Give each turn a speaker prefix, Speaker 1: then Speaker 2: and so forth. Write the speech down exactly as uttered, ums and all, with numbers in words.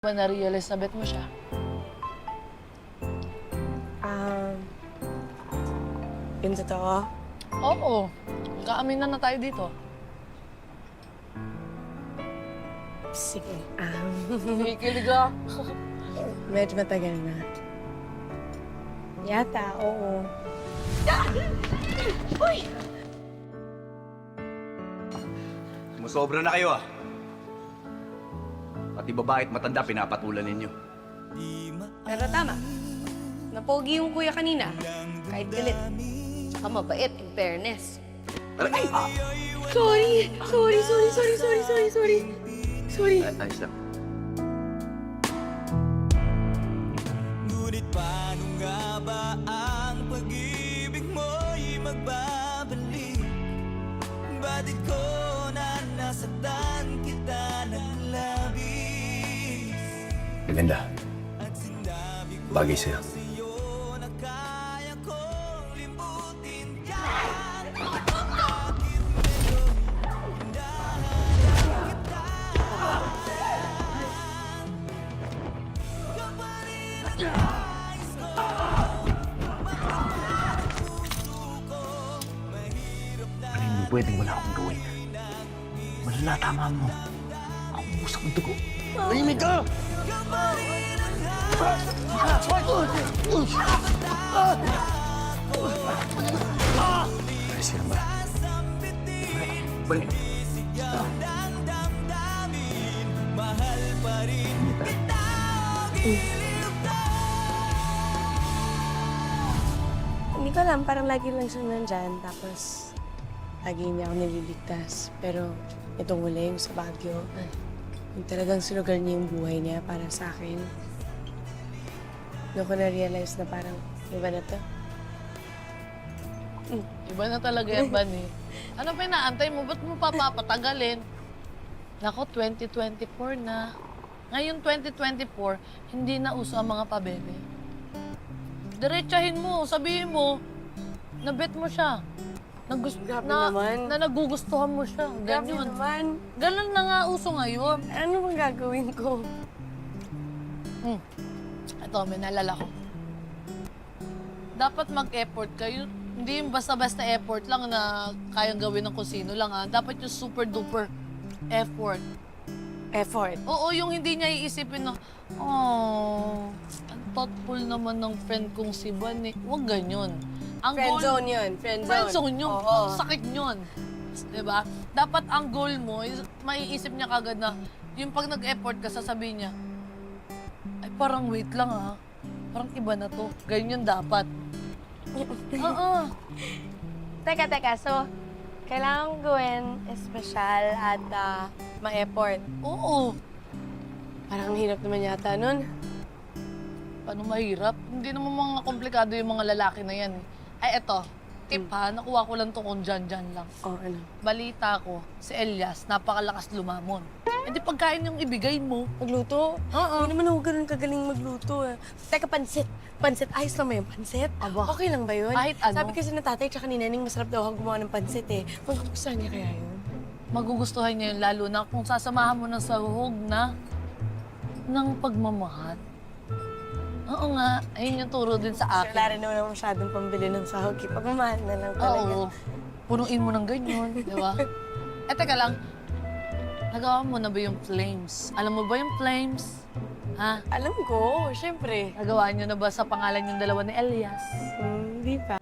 Speaker 1: Ba na-realize na bet mo siya?
Speaker 2: Um, yun totoo?
Speaker 1: Oo. Magkaaminan na tayo dito.
Speaker 2: Sige. Um,
Speaker 1: Kikilig ka.
Speaker 2: medyo matagal na. Yata, oo.
Speaker 3: Sumusobra na kayo ah. Pati babae at matanda pinapatulan ninyo.
Speaker 4: Pero tama. Napogi yung kuya kanina. Kahit galit. Tsaka mabait, in fairness.
Speaker 3: Ay! Ah!
Speaker 4: Sorry! Sorry, sorry, sorry, sorry, sorry, sorry. Sorry.
Speaker 3: Ay, ayos lang.
Speaker 5: Ngunit paano nga ba ang pag-ibig mo'y magbabalik? Batid ko na nasaktan kita ng labis.
Speaker 3: Maganda.
Speaker 5: At sinabi ko
Speaker 3: Bagay sa'yo.
Speaker 5: sa'yo na kaya kong limbutin ka.
Speaker 3: Ano hindi pwedeng wala akong gawin? Malala, tama mo. Ako usap ng dugo. Tahimik ka! Ayos yan ba? Balik.
Speaker 5: Mahal pa rin kita.
Speaker 2: Hindi ko alam, parang lagi lang siya nandyan. Tapos, lagi niya ako nililigtas. Pero, itong huli, yung sa Baguio, yung talagang sinugal niya yung buhay niya para sa akin. Doon ko na-realize na parang, iba na to.
Speaker 1: Iba na talaga yan, Bani. Ano pa inaantay mo? Ba't mo papapatagalin? Nako, twenty twenty-four na. Ngayon, twenty twenty-four, hindi na uso ang mga pabebe. Diretsahin mo, sabihin mo, na bet mo siya. Na, gus-
Speaker 2: Grabe
Speaker 1: na,
Speaker 2: naman.
Speaker 1: na nagugustuhan mo siya.
Speaker 2: Grabe
Speaker 1: Ganyan.
Speaker 2: naman.
Speaker 1: Ganun na nga uso ngayon.
Speaker 2: Ano bang gagawin ko?
Speaker 1: Hmm. Ito, may naalala ko. Dapat mag-effort kayo. Hindi yung basta-basta effort lang na kayang gawin ng kung sino lang, ha? Dapat yung super-duper effort.
Speaker 2: Effort.
Speaker 1: Oo, yung hindi niya iisipin na, oh, ang thoughtful naman ng friend kong si Van eh. Huwag ganyan. Ang
Speaker 2: Friend
Speaker 1: goal-
Speaker 2: zone yun. Friend zone.
Speaker 1: Friend zone yun.
Speaker 2: Oo.
Speaker 1: Ang sakit yun. Diba? Dapat ang goal mo, is, maiisip niya kagad na, yung pag nag-effort ka, sasabihin niya, ay parang wait lang ha. Parang iba na to. Ganyan dapat. Oo.
Speaker 2: Teka, teka. So, kailangan kong gawin espesyal at ah, ma-effort.
Speaker 1: Oo.
Speaker 2: Parang ang hirap naman yata nun.
Speaker 1: Paano mahirap? Hindi naman mga komplikado yung mga lalaki na yan. eh. Ay, eto. Tip ha, nakuha ko lang to kung dyan-dyan lang.
Speaker 2: Oh, ano?
Speaker 1: Balita ko, si Elias, napakalakas lumamon. E di pagkain yung ibigay mo.
Speaker 2: Magluto?
Speaker 1: Oo.
Speaker 2: Hindi naman ako ganun kagaling magluto. Eh. Teka, pansit. Pansit. Ayos lang ba yung pansit?
Speaker 1: Aba.
Speaker 2: Okay lang ba yun?
Speaker 1: Kahit ano.
Speaker 2: Sabi kasi na tatay tsaka ni Neneng, masarap daw ako gumawa ng pansit eh. Magugustuhan niya kaya yun?
Speaker 1: Magugustuhan niya yun, lalo na kung sasamahan mo ng sahog na ng pagmamahal. Oo nga, ayun yung turo din sa
Speaker 2: Wala
Speaker 1: akin.
Speaker 2: rin naman ako masyadong pambili ng sahog. eh. Pagmamahal na lang talaga.
Speaker 1: Oo, punuin mo ng ganyan, di ba? Eh, teka lang, nagawa mo na ba yung flames? Alam mo ba yung flames? Ha?
Speaker 2: Alam ko, syempre.
Speaker 1: Nagawa niyo na ba sa pangalan yung dalawa ni Elias?
Speaker 2: Hmm, Hindi pa.